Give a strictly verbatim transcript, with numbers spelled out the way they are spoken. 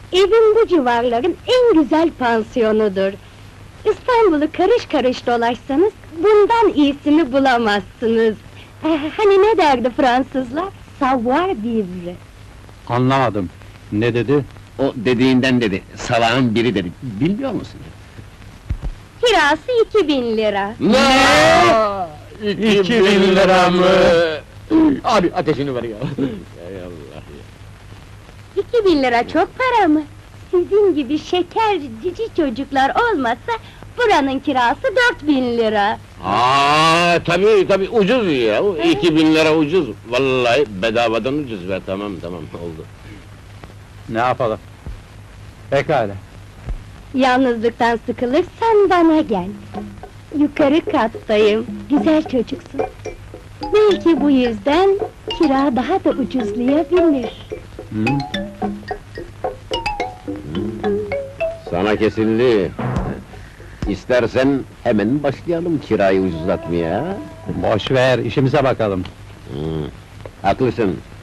Evim bu civarların en güzel pansiyonudur. İstanbul'u karış karış dolaşsanız, bundan iyisini bulamazsınız. Eh, hani ne derdi Fransızlar? Savoir vivre. Anlamadım. Ne dedi? O dediğinden dedi, salağın biri dedi, bilmiyor musun? Kirası iki bin lira. Ne? İki bin lira mı? Abi ateşini ver ya! Ey Allah ya! İki bin lira çok para mı? Sizin gibi şeker cici çocuklar olmasa, buranın kirası dört bin lira. Aa, tabii tabii ucuz ya, iki bin lira ucuz! Vallahi bedavadan ucuz be, tamam tamam, oldu. Ne yapalım? Pekala. Yalnızlıktan sıkılırsan bana gel. Yukarı kattayım, güzel çocuksun. Belki bu yüzden kira daha da ucuzlayabilir. Hı? Sana kesildi! İstersen hemen başlayalım kirayı ucuzlatmaya! Boş ver, işimize bakalım. Hı, haklısın.